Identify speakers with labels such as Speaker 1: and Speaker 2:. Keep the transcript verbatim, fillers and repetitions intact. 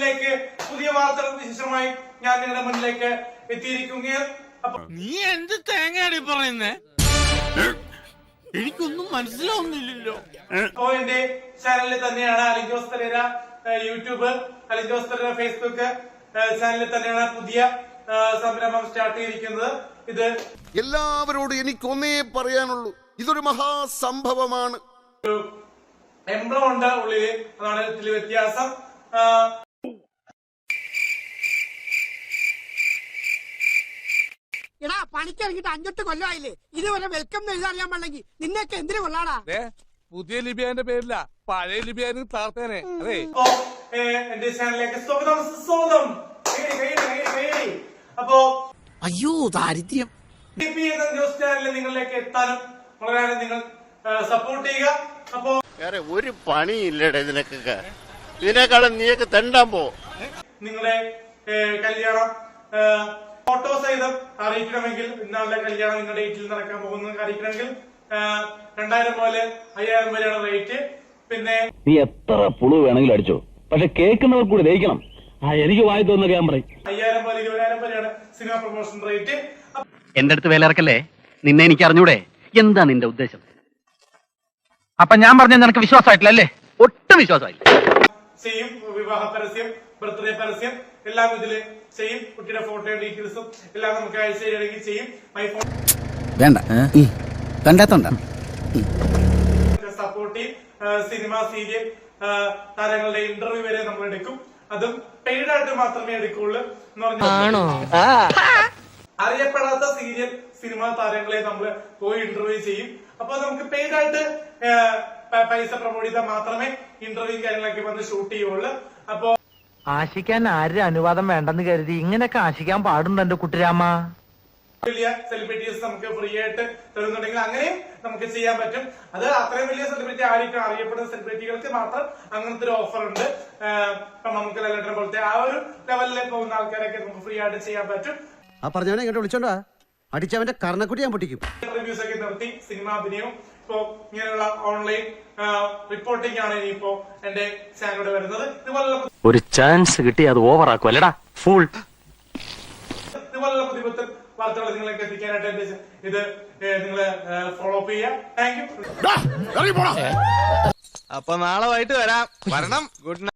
Speaker 1: ചാനലിലേക്ക് പുതിയ വാർത്തകൾക്ക് വിശേഷമായി ഞാൻ നിങ്ങളുടെ മുന്നിലേക്ക് എത്തിയിരിക്കുകയാണ്. അപ്പൊ
Speaker 2: നീ എന്ത് തേങ്ങയാടി പറയുന്നേ? എനിക്കൊന്നും മനസ്സിലാവുന്നില്ലല്ലോ.
Speaker 1: അപ്പോ എന്റെ ചാനലിൽ തന്നെയാണ് അലിൻ ജോസ് പെരേര യൂട്യൂബ്, അലിൻ ജോസ് പെരേര ഫേസ്ബുക്ക് ചാനലിൽ തന്നെയാണ് പുതിയ സംരംഭം സ്റ്റാർട്ട് ചെയ്തിരിക്കുന്നത്. ഇത്
Speaker 3: എല്ലാവരോടും എനിക്കൊന്നേ പറയാനുള്ളൂ, ഇതൊരു മഹാസംഭവമാണ്.
Speaker 1: ഒരു എംബ്ലം ഉണ്ട് ഉള്ളില്, അതാണ് ഇതിൽ വ്യത്യാസം.
Speaker 4: എടാ പണിക്കിറങ്ങിട്ട് അഞ്ചെട്ട് കൊല്ലമായില്ലേ, ഇതുവരെ വെൽക്കം എന്ന് എഴുതാറിയാൻ പാടില്ലെങ്കിൽ നിന്നൊക്കെ എന്തിനു കൊള്ളാടാ?
Speaker 5: പുതിയ ലിബിയാന്റെ പേരില്ല, പഴയ ലിബിയാന് താർത്തേനെ. അതെ,
Speaker 1: എന്റെ ചാനലിലേക്ക് സ്വാഗതം സ്വാഗതം. അപ്പോ
Speaker 4: അയ്യോ ദാരിദ്ര്യം.
Speaker 1: ന്യൂസ് ചാനലിൽ നിങ്ങളിലേക്ക് എത്താനും വളരെ നിങ്ങൾ സപ്പോർട്ട് ചെയ്യുക. അപ്പോ
Speaker 3: വേറെ ഒരു പണിയില്ലടേ ഇതിനൊക്കെ, ഇതിനേക്കാളും നീയൊക്കെ തെണ്ടാൻ പോ.
Speaker 1: നിങ്ങളുടെ കല്യാണം ഫോട്ടോ സഹിതം അറിയിക്കണമെങ്കിൽ, ഇന്നാളുടെ കല്യാണം നിങ്ങളുടെ ഡേറ്റിൽ നടക്കാൻ പോകുന്നത് അറിയിക്കണമെങ്കിൽ രണ്ടായിരം പോലെ അയ്യായിരം വരെയാണ് റേറ്റ്. പിന്നെ
Speaker 6: നീ എത്ര പുളു വേണമെങ്കിലും അടിച്ചോ, പക്ഷെ കേൾക്കുന്നവർ കൂടി ദഹിക്കണം. ആ എനിക്ക് വായി തോന്നുന്ന ഞാൻ പറയും.
Speaker 1: അയ്യായിരം പോലെ ഇരുപതിനായിരം വരെയാണ് സിനിമ പ്രൊമോഷൻ റേറ്റ്.
Speaker 7: എന്റെ അടുത്ത് വേലിറക്കല്ലേ, നിന്നെ എനിക്ക് അറിഞ്ഞൂടെ? എന്താ നിന്റെ ഉദ്ദേശം? അപ്പൊ ഞാൻ പറഞ്ഞ നിനക്ക് വിശ്വാസമായിട്ടില്ല അല്ലേ? ഒട്ടും വിശ്വാസമായില്ല.
Speaker 1: ചെയ്യും വിവാഹ പരസ്യം, ബർത്ത്ഡേ പരസ്യം എല്ലാം ഇതില് ചെയ്യും. കുട്ടിയുടെ ഫോട്ടോയും ഡീറ്റെയിൽസും എല്ലാം നമുക്ക് അയച്ചു തരികയാണെങ്കിൽ ചെയ്യും. മൈ ഫോൺ
Speaker 8: വേണ്ട കണ്ടാത്തോണ്ട
Speaker 1: സപ്പോർട്ട് ചെയ്യും. സിനിമ, സീരിയൽ താരങ്ങളുടെ ഇന്റർവ്യൂ വരെ നമ്മൾ എടുക്കും. അതും പെയ്ഡ് ആയിട്ട് മാത്രമേ എടുക്കുള്ളൂ എന്ന് പറഞ്ഞു. അറിയപ്പെടാത്ത സീരിയൽ സിനിമ താരങ്ങളെ നമ്മൾ പോയി ഇന്റർവ്യൂ ചെയ്യും. അപ്പൊ നമുക്ക് പെയ്ഡ് ആയിട്ട് പൈസ പ്രൊമോട്ട് ചെയ്താൽ മാത്രമേ ഇന്റർവ്യൂ കാര്യങ്ങളൊക്കെ വന്ന് ഷൂട്ട് ചെയ്യുള്ളൂ. അപ്പൊ
Speaker 9: ആശിക്കാൻ ആരുടെ അനുവാദം വേണ്ടെന്ന് കരുതി ഇങ്ങനെയൊക്കെ ആശിക്കാൻ പാടുണ്ടോ എന്റെ കുട്ടിരാമ?
Speaker 1: വലിയ സെലിബ്രിറ്റീസ് നമുക്ക് ഫ്രീ ആയിട്ട് തരുന്നുണ്ടെങ്കിൽ അങ്ങനെയും നമുക്ക് ചെയ്യാൻ പറ്റും. അത് അത്രയും വലിയ സെലിബ്രിറ്റി ആയിരിക്കും, അറിയപ്പെടുന്ന സെലിബ്രിറ്റികൾക്ക് മാത്രം അങ്ങനത്തെ ഒരു ഓഫർ ഉണ്ട്. ഇപ്പൊ നമുക്ക് ലെറ്റർ പോലത്തെ ആ ഒരു ലെവലിൽ പോകുന്ന ആൾക്കാരൊക്കെ നമുക്ക് ഫ്രീ ആയിട്ട് ചെയ്യാൻ പറ്റും.
Speaker 8: ആ പറഞ്ഞവനെ ഇങ്ങോട്ട് വിളിച്ചോണ്ടാ അടിച്ചവന്റെ കർണക്കുട്ടി ഞാൻ പൊട്ടിക്കും.
Speaker 1: റിവ്യൂസ് ഒക്കെ നിർത്തി സിനിമ അഭിനയം ഇപ്പോ ഇങ്ങനെയുള്ള ഓൺലൈൻ റിപ്പോർട്ടിംഗ് ആണ് ഇനിയിപ്പോ എന്റെ ചാനലിലൂടെ വരുന്നത്. ഇതുപോലുള്ള
Speaker 6: ഒരു ചാൻസ് കിട്ടി അത് ഓവർ ആക്കും അല്ലടാ ഫുൾ.
Speaker 1: ഇതുപോലുള്ള പുതിയ പുതിയ വാർത്തകൾ നിങ്ങളൊക്കെ എത്തിക്കാനായിട്ട് എന്റെ ഇത് നിങ്ങൾ ഫോളോ അപ്പ് ചെയ്യുക. Thank you.
Speaker 5: അപ്പൊ നാളെ വൈകിട്ട് വരാം. വരണം. Good night.